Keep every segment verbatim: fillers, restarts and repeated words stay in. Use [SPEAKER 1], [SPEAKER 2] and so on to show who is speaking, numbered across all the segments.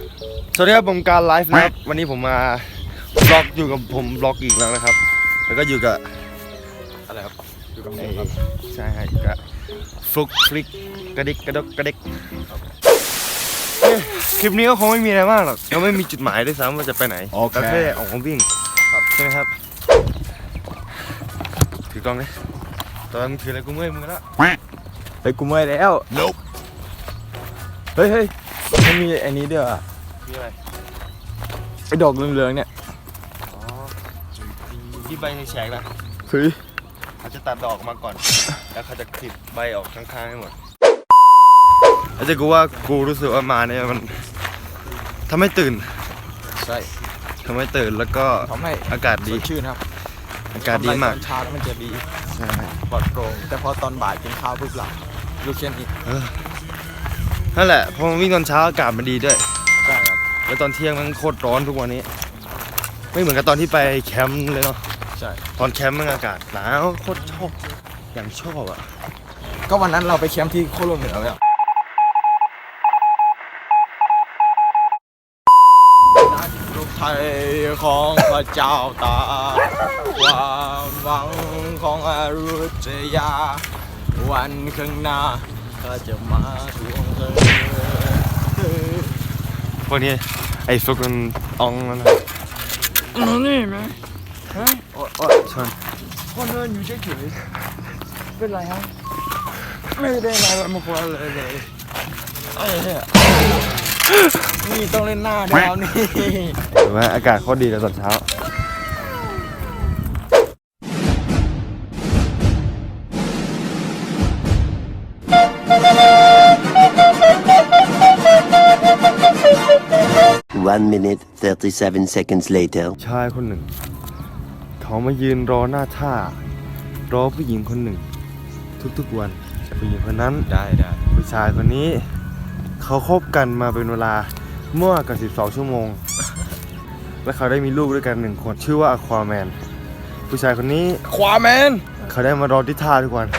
[SPEAKER 1] สวัสดีครับผมการไลฟ์นะครับวันนี้ผมมาบล็อกอยู่กับผมบล็อกอีกแล้วนะครับแล้วก็อยู่กับอะไรครับอยู่กับผมครับใช่อยู่กับฟลุกฟลิกกระดิกกระดกกระดิกคลิปนี้ก็คงไม่มีอะไรมากหรอกยังไม่มีจุดหมายด้วยซ้ำว่าจะไปไหนก็แค่ออกมาวิ่งใช่ไหมครับถือกล้องเลยตอนมึงถืออะไรกูเมื่อยมึงแล้ว
[SPEAKER 2] เฮ้ยกูเมื่อยแล้วเฮ้ยเฮ้ยมันมีไอ้นี้ด้วยอ่ะ
[SPEAKER 1] มีอะไร
[SPEAKER 2] ไอ้ดอกเหลืองๆเนี่ย
[SPEAKER 1] อ๋อที่ใบแฉกๆนะ
[SPEAKER 2] เฮ้ย
[SPEAKER 1] เขาจะตัดดอกมาก่อนแล้วเขาจะคลิปใบออกข้างๆให้หมดแล้วจะกูว่ากูรู้สึกว่ามาเนี่ยมันทำให้ตื่น
[SPEAKER 2] ใช่
[SPEAKER 1] ทำให้ตื่นแล้วก็
[SPEAKER 2] ทำให้
[SPEAKER 1] อากาศดี
[SPEAKER 2] ชื่นครับ
[SPEAKER 1] อากาศดีมาก
[SPEAKER 2] ตอนเช้ามันจะดี
[SPEAKER 1] ใช่
[SPEAKER 2] ปลอดโปร่งแต่พอตอนบ่ายกินข้าวปุ๊บหลับลูกเช่นนี้
[SPEAKER 1] นั่นแหละพอวิ่งตอนเช้าอากาศมันดีด้วย
[SPEAKER 2] ใช่ครับ
[SPEAKER 1] แล้วตอนเที่ยงมันโคตรร้อนทุกวันนี้ไม่เหมือนกับตอนที่ไปแคมป์เลยเนาะ
[SPEAKER 2] ใช่
[SPEAKER 1] ตอนแคมป์มันอากาศหนาวโคตรชอบอย่างชอบอ่ะ
[SPEAKER 2] ก็วันนั้นเราไปแคมป์ที่โคโลเหนือเลยลูกไทยของพระเจ้าตาความหวังของอยุธยาวันข้างหน้าก็จะมาทวงเธอ
[SPEAKER 1] พวกนี้ไอ้ฟลุกมันอ่องแล้วนะ
[SPEAKER 2] นี่ไหมฮะ
[SPEAKER 1] โอ้ยชน
[SPEAKER 2] พ่อเดินอยู่เฉยๆเป็นไรฮะไม่ได้อะไรมาควรเลยเลยไอ้เนี่ยนี่ต้องเล่นหน้าดาวนี่
[SPEAKER 1] ถือว่าอากาศโคตรดีเลยตอนเช้า
[SPEAKER 3] one minute thirty-seven seconds later
[SPEAKER 1] ชายคนหนึ่งเขามายืนรอหน้าท่ารอผู้หญิงคนหนึ่งทุกๆวันผู้หญิงคนนั้น
[SPEAKER 2] ได้ได้
[SPEAKER 1] ผู้ชายคนนี้เขาคบกันมาเป็นเวลาเมื่อกับสิบสองชั่วโมงและเขาได้มีลูกด้วยกันหนึ่งคนชื่อว่าอควาแมนผู้ชายคนนี้
[SPEAKER 2] ควาแมน
[SPEAKER 1] เขาได้มารอที่ท่าทุกวัน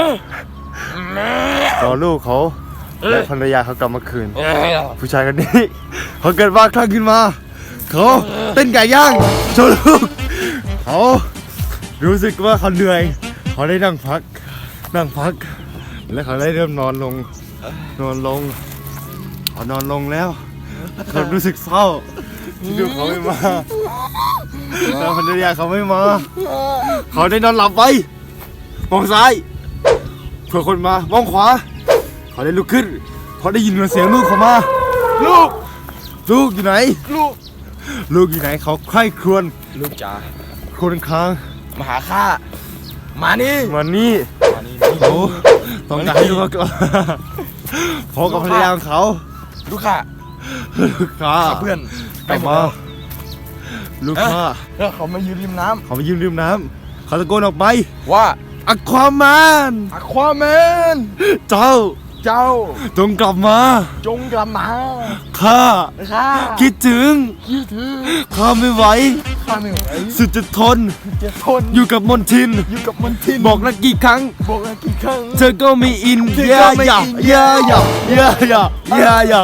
[SPEAKER 1] รอลูกเขาและภรรยาเขากลับมาคืนผู้ชายคนนี้เขาเกิดบ้าคลั่งขึ้นมาเขาเต้นไก่ย่างโชว์ลูกเขารู้สึกว่าเขาเหนื่อยเขาได้นั่งพักนั่งพักและเขาได้เริ่มนอนลงนอนลงเขานอนลงแล้วเขารู้สึกเศร้าที่ลูกเขาไม่มาแล้วภรรยาเขาไม่มาเขาได้นอนหลับไปมองซ้ายเผื่อคนมามองขวาเขาได้ลุกขึ้นเขาได้ยินเสียงลูกเขามาลูกลูกอยู่ไหนลูกลูกอยู่ไหนเขาใคร่ครวญ
[SPEAKER 2] ลูกจ๋า
[SPEAKER 1] คนค้าง
[SPEAKER 2] มาหาข้ามานี่
[SPEAKER 1] มานี่
[SPEAKER 2] มานี่
[SPEAKER 1] โอ้ต้องการให้ลูกเขาก่อนพอกับภรรยาของเขา
[SPEAKER 2] ลูกค้า
[SPEAKER 1] ลูกค้า
[SPEAKER 2] เพื่อน
[SPEAKER 1] กลับมาลูกค้า
[SPEAKER 2] แล้วเขามายืนริมน้ำ
[SPEAKER 1] เขามายืนริมน้ำเขาตะโกนออกไป
[SPEAKER 2] ว่า
[SPEAKER 1] อควาแมน
[SPEAKER 2] อควาแมน
[SPEAKER 1] เจ้า
[SPEAKER 2] เจ้า
[SPEAKER 1] จงกลับมา
[SPEAKER 2] จงกลับมา
[SPEAKER 1] ข้า
[SPEAKER 2] ข้า
[SPEAKER 1] คิดถึง
[SPEAKER 2] คิดถึง
[SPEAKER 1] ข้าไม่ไหว
[SPEAKER 2] ข้าไม่ไหว
[SPEAKER 1] สุดจะทน
[SPEAKER 2] จะทน
[SPEAKER 1] อยู่กับมนทิน
[SPEAKER 2] อยู่กับมนทิน
[SPEAKER 1] บอกนักกี่ครั้ง
[SPEAKER 2] บอกนักกี่ครั้ง
[SPEAKER 1] เธอก็ไม่อินเยอะๆเยอะๆเยอะๆเยอะๆเยอะๆเยอะ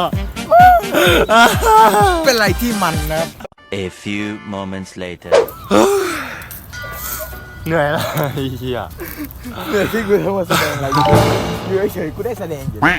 [SPEAKER 1] ๆ
[SPEAKER 2] เป็นอะไรที่มันนะ
[SPEAKER 3] A few moments later
[SPEAKER 1] เหนื่อยแล้วเฮีย
[SPEAKER 2] เหนื่อยที่กูทำมาแสดงอะไรอยู่เฉยๆกูได้แสดงอยู่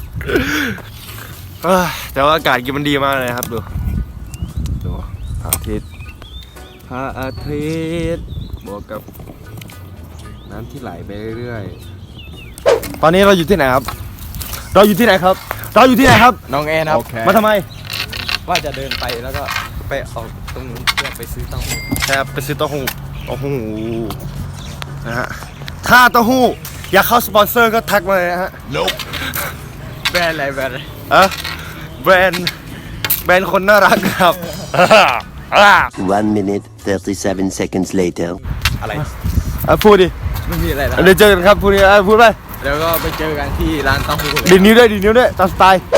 [SPEAKER 1] แต่ว่าอากาศมันดีมากเลยครับดูดูพระอาทิตย์พระอาทิตย์บวกกับน้ำที่ไหลไปเรื่อยๆตอนนี้เราอยู่ที่ไหนครับเราอยู่ที่ไหนครับเราอยู่ที่ไหนครับ
[SPEAKER 2] น้องแอนครับ
[SPEAKER 1] มาทำไม
[SPEAKER 2] ว่าจะเดินไปแล้วก็ไปออกตรงนู้นเพื่อไปซื้อเต้าหู้
[SPEAKER 1] ใช่ไปซื้อเต้าหู้เต้าหู้นะฮะถ้าเต้าหู้อยากเข้าสปอนเซอร์ก็ทักมาเลยนะฮะ
[SPEAKER 2] Nope แบรนด์อะไรแบรนด์อะไร
[SPEAKER 1] อะแบรนด์แบรนด์คนน่ารักครับ
[SPEAKER 3] one minute thirty-seven seconds later
[SPEAKER 2] อะไร
[SPEAKER 1] อ่ะพูดดิ
[SPEAKER 2] ไม่มีอะไรแล้ว
[SPEAKER 1] เดี๋ยวเจอกันครับพูดดิอ่ะพูดไป
[SPEAKER 2] แล้วก็ไปเจอกันที่ร้านเต้าหู้
[SPEAKER 1] ดีนิ้วด้วยดีนิ้วด้วยตามสไตล์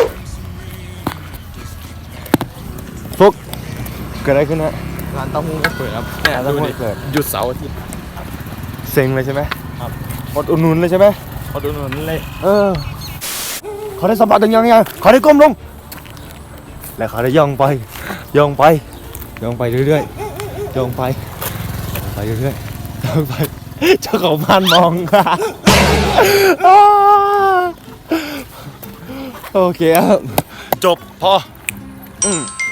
[SPEAKER 1] ฟุกเกิดอะไรขึ้นฮะ
[SPEAKER 2] ร้านเต้าหู้ก็เปิดครับเนี่ยดูดิหยุดเสาร์อาทิตย์
[SPEAKER 1] เซ็งเลยใช่ไหม
[SPEAKER 2] ครับ
[SPEAKER 1] อดอุ่นนุนเลยใช่ไหม
[SPEAKER 2] อดอุ่นนุนเลย
[SPEAKER 1] เออเขาได้สัมผัสถึงยังไงเขาได้ก้มลงแล้วเขาได้ย่องไปย่องไปย่องไปเรื่อยๆย่องไปไปเรื่อยๆย่องไปเจ้าของบ้านมอง โอเคครับจบพออืม